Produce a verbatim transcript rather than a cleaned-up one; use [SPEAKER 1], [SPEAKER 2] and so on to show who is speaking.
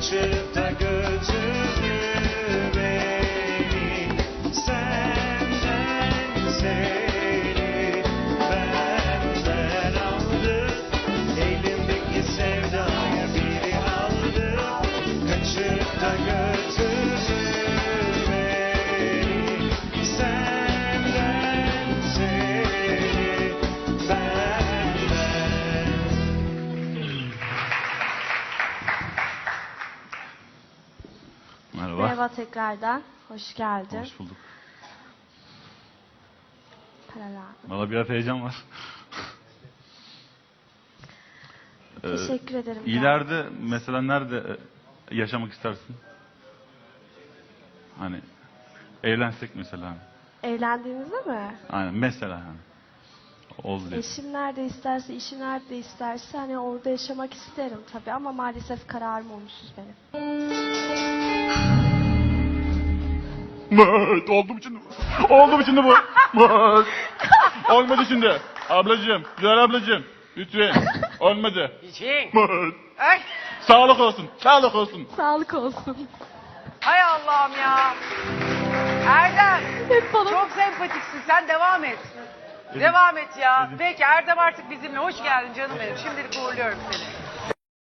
[SPEAKER 1] kaçırıp da götürdü beni. Senden seni benden aldı, elimdeki sevdayı biri aldı, kaçırıp da götürdü beni. Senden seni benden.
[SPEAKER 2] Merhaba.
[SPEAKER 3] Merhaba tekrardan. Hoş geldin.
[SPEAKER 2] Hoş bulduk.
[SPEAKER 3] Paralar.
[SPEAKER 2] Valla biraz heyecan var. Ee,
[SPEAKER 3] Teşekkür ederim.
[SPEAKER 2] İleride mesela nerede e, yaşamak istersin? Hani evlensek mesela.
[SPEAKER 3] Evlendiğimizde mi?
[SPEAKER 2] Aynen mesela hani. Oldu diye.
[SPEAKER 3] Eşim nerede isterse, işi nerede isterse hani orada yaşamak isterim tabii ama maalesef kararım olumsuz benim.
[SPEAKER 2] Mıt, oldu mu şimdi bu? Oldu mu şimdi bu? Mıt. Olmadı şimdi. Ablacığım, güzel ablacığım. Lütfen. Olmadı.
[SPEAKER 4] İçin.
[SPEAKER 2] Mıt.
[SPEAKER 4] Ay,
[SPEAKER 2] Sağlık olsun, sağlık olsun.
[SPEAKER 3] Sağlık olsun.
[SPEAKER 4] hay Allah'ım ya. Erdem,
[SPEAKER 3] Hep bana
[SPEAKER 4] çok sempatiksin. Sen devam et. Devam et ya. Peki Erdem artık bizimle. Hoş geldin canım benim. Şimdilik uğurluyorum seni.